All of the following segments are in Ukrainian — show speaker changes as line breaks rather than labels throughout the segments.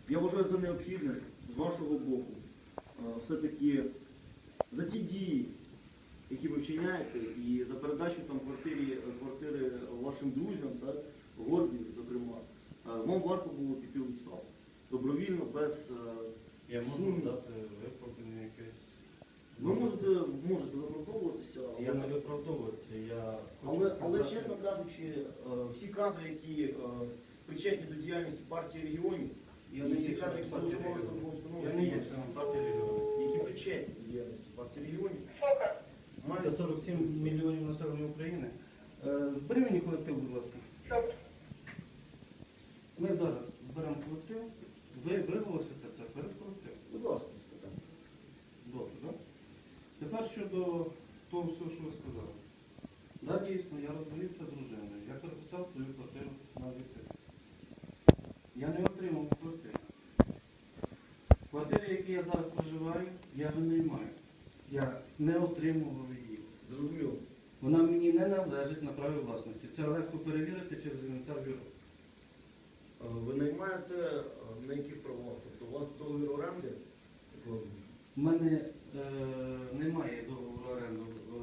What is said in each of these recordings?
Я вважаю за необхідне з вашого боку все-таки за ті дії, які ви вчиняєте, і за передачу там квартири вашим друзям, так, Горді, зокрема, вам варто було піти у відставку. Добровільно, без
Я можу дати виправдання якесь.
Ви можете виправдовуватися,
Я не виправдовуватися, я
але чесно кажучи, всі кадри, які причетні до діяльності партії регіонів,
Я не є членом партії регіонів.
які причетні до діяльності партії регіонів,
Це 47 мільйонів населення України. Збери мені колектив, будь ласка. Ми зараз зберемо колектив. Ви виголосите це перед колективом.
будь ласка, спитання.
Добре, так? Тепер щодо того всього, що ви сказали. Так, дійсно, я розвівся з дружиною. Я переписав свою квартиру на відкриту. Я не отримав квартиру. Квартири, в якій я зараз проживаю, я винаймаю. Я не отримував її.
Зрозуміло.
Вона мені не належить на праві власності. Це легко перевірити через інвентар бюро.
Ви наймаєте на яких правах? Тобто у вас договір оренди?
У мене немає договору оренду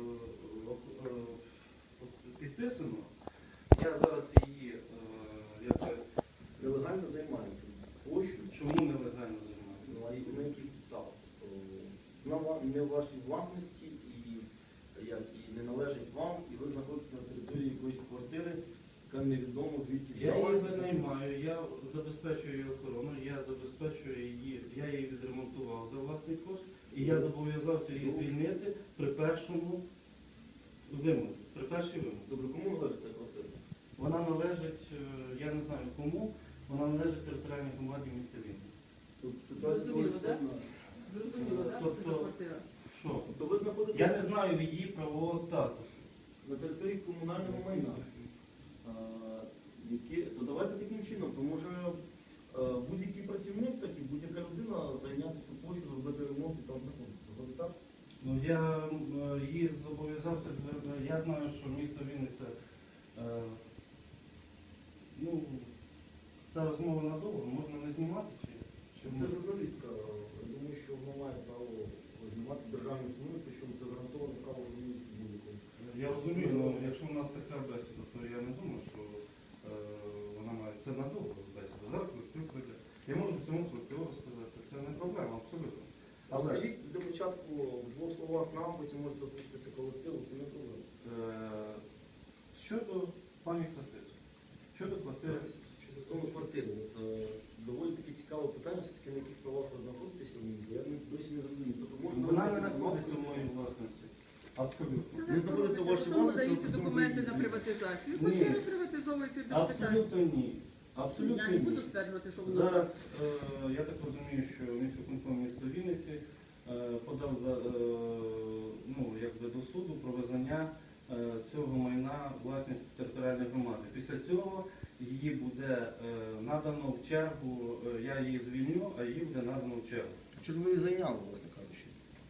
підписано. Я зараз її
Нелегально займаєте площу?
чому нелегально займаю?
Ну, а на яких підставах? Тобто, не в вашій власності і не належить вам, і ви знаходитесь на території якоїсь квартири, яка невідомо звідки
Я її
взялася.
винаймаю, я забезпечую її охорону, я забезпечую її, я її відремонтував за власний кошт, і я зобов'язався її звільнити при першому вимозі, при першій вимозі.
Добре, кому належить ця квартира?
Вона належить, я не знаю кому, вона належить територіальній громаді міста Вінниці.
Тут ситуація доволі складна.
Зрозуміло, так, що це за квартира?
Що?
Тобто ви
Я
знаходитесь
не знаю її правового статусу.
на території комунального майна. То давайте таким чином, тому що будь-який працівник, так і будь-яка людина зайняти цю площу, зробити ремонт і там знаходиться. Згодом так?
Ну, я її зобов'язався, я знаю, що місто Вінниця, ну, ця розмова надовго, можна не знімати чи
Це журналістка. Я думаю, що вона має право знімати державні установи, причому це гарантоване право журналістів будь-якого.
Я розумію, але якщо у нас така бесіда, то я не думаю, що вона має це надовго бесіда. Зараз колектив прийде. Я можу всьому колективу розказати. Це не проблема, абсолютно.
А скажіть для початку в двох словах нам, потім можете озвучити це колективу, це не проблема.
Щодо пані Храстиці, щодо квартири.
Що стосовно квартири, доволі таке цікаве питання, все-таки на яких правах ви знаходитеся в ній, я досі не зрозумів. Тобто, можна
Вона не знаходиться в моїй власності. Абсолютно.
Не знаходиться в вашій
Тому
власності,
даються
ви
документи на
працюєте.
приватизацію.
Ні.
Квартири приватизовуються без питань.
Абсолютно ні. Абсолютно
Я не буду
ні.
стверджувати, що воно
Зараз я так розумію, що міськвиконком міста Вінниці подав якби до суду про визнання цього майна власність територіальної громади. Після цього її буде надано в чергу, я її звільню, а її буде надано в чергу.
Чи ж ви її зайняли, власне кажучи?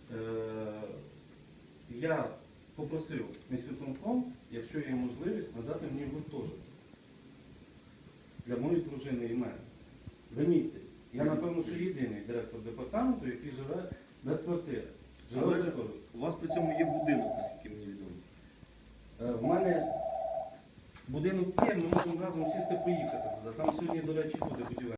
Я попросив міськвиконком, якщо є можливість, надати мені гуртожиток для моєї дружини і мене. Замітьте, я напевно, що єдиний директор департаменту, який живе без квартири. Живе
Але
без квартири.
у вас при цьому є будинок, наскільки мені відомо.
В мене будинок є, ми можемо разом сісти поїхати туди. Там сьогодні, до речі, буде будівельник.